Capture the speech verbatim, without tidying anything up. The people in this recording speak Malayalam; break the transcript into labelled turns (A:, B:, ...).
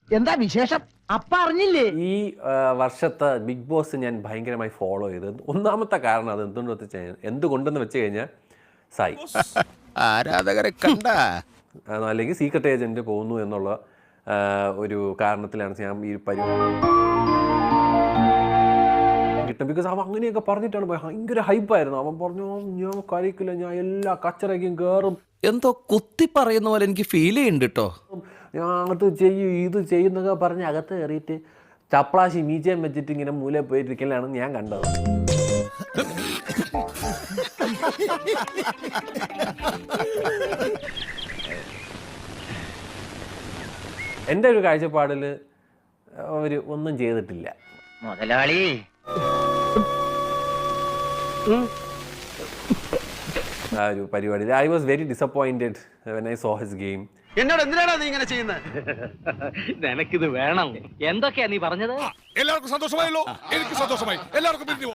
A: എന്താ വിശേഷം? അപ്പ അറിഞ്ഞില്ലേ?
B: ഈ വർഷത്തെ ബിഗ് ബോസ് ഞാൻ ഭയങ്കരമായി ഫോളോ ചെയ്തത് ഒന്നാമത്തെ കാരണം അത് എന്തുകൊണ്ട് വെച്ച് എന്തുകൊണ്ടെന്ന് വെച്ച് കഴിഞ്ഞാൽ സായി
C: ആരാധകരെ കണ്ട
B: അല്ലെങ്കിൽ സീക്രട്ട് ഏജന്റ് പോകുന്നു എന്നുള്ള ഒരു കാരണത്തിലാണ് ഞാൻ ഈ പരിപാടി കിട്ടും. ബിക്കോസ് അവൻ അങ്ങനെയൊക്കെ പറഞ്ഞിട്ടാണ് ഭയങ്കര ഹൈപ്പായിരുന്നു. അവൻ പറഞ്ഞു ഞാൻ കളിക്കില്ല, ഞാൻ എല്ലാ കച്ചറയ്ക്കും കയറും,
C: എന്തോ കുത്തി പറയുന്ന പോലെ എനിക്ക് ഫീൽ ചെയ്യുന്നുണ്ട് കേട്ടോ.
B: ഞാൻ അത് ചെയ്യും ഇത് ചെയ്യുന്നൊക്കെ പറഞ്ഞ് അകത്ത് കയറിയിട്ട് ചപ്ലാശി മീച്ചയും വെച്ചിട്ട് ഇങ്ങനെ മൂല പോയിരിക്കലാണ് ഞാൻ കണ്ടത്. എൻ്റെ ഒരു കാഴ്ചപ്പാടിൽ അവർ ഒന്നും ചെയ്തിട്ടില്ല
A: മുതലാളി.
B: ആ ഒരു പരിപാടി I was very disappointed when I saw his game.
D: എന്നോട് എന്തിനാണ് നീ ഇങ്ങനെ ചെയ്യുന്നത്?
A: നിനക്കിത് വേണം. എന്തൊക്കെയാ നീ പറഞ്ഞത്?
E: എല്ലാവർക്കും സന്തോഷമായല്ലോ. എനിക്ക് സന്തോഷമായി. എല്ലാവർക്കും